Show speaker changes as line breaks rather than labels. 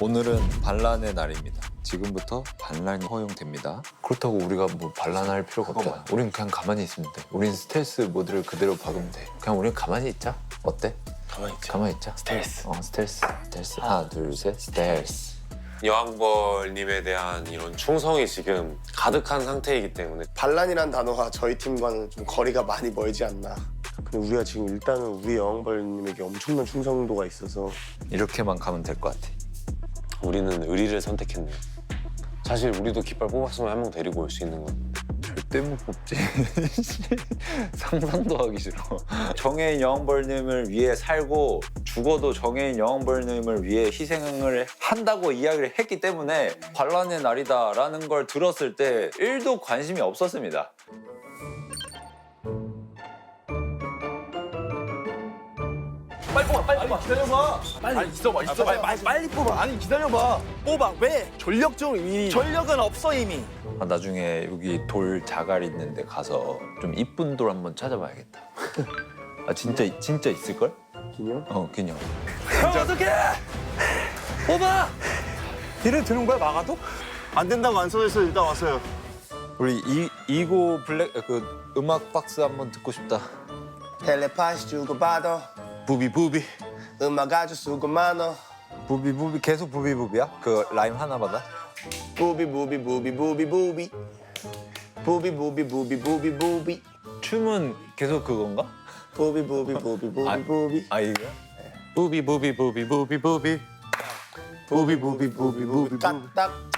오늘은 반란의 날입니다. 지금부터 반란이 허용됩니다. 그렇다고 우리가 뭐 반란할 필요가 없잖아. 우린 그냥 가만히 있으면 돼. 우린 스텔스 모드를 그대로 박으면 돼. 그냥 우린 가만히 있자. 어때?
가만히 있자.
가만히 있자.
스텔스.
스텔스. 스텔스. 하나, 둘, 셋. 스텔스.
여왕벌님에 대한 이런 충성이 지금 가득한 상태이기 때문에
반란이란 단어가 저희 팀과는 좀 거리가 많이 멀지 않나. 근데 우리가 지금 일단은 우리 여왕벌님에게 엄청난 충성도가 있어서
이렇게만 가면 될 것 같아.
우리는 의리를 선택했네요. 사실 우리도 깃발 뽑았으면 한 명 데리고 올 수 있는 건데.
절대 못 뽑지. 상상도 하기 싫어. 정해인 여왕벌님을 위해 살고 죽어도 정해인 여왕벌님을 위해 희생을 한다고 이야기를 했기 때문에 반란의 날이다라는 걸 들었을 때 1도 관심이 없었습니다.
빨리 뽑아, 빨리 뽑아. 기다려봐. 빨리 있어봐. 빨리 뽑아. 아니 기다려봐. 뽑아. 왜? 전력적으로 이미. 전력은 없어 이미.
나중에 여기 돌 자갈 있는데 가서 좀 이쁜 돌 한번 찾아봐야겠다. 아 진짜 있을걸?
기념?
기념.
형 어떡해? 뽑아. 딜을 드는 거야 막아도?
안 된다고 안 써져서 일단 왔어요.
우리 이고 블랙 그 음악 박스 한번 듣고 싶다.
텔레파시 주고받아.
부비
음악 아주 수고 많어.
부비 계속 부비야? 그 라임 하나마다?
부비 부비 부비 부비 부비 부비 부비 부비 부비 부비
춤은 계속 그건가?
부비 부비 부비 부비 부비
아 이거야? 부비
부비 부비 부비 부비 부비
부비
까딱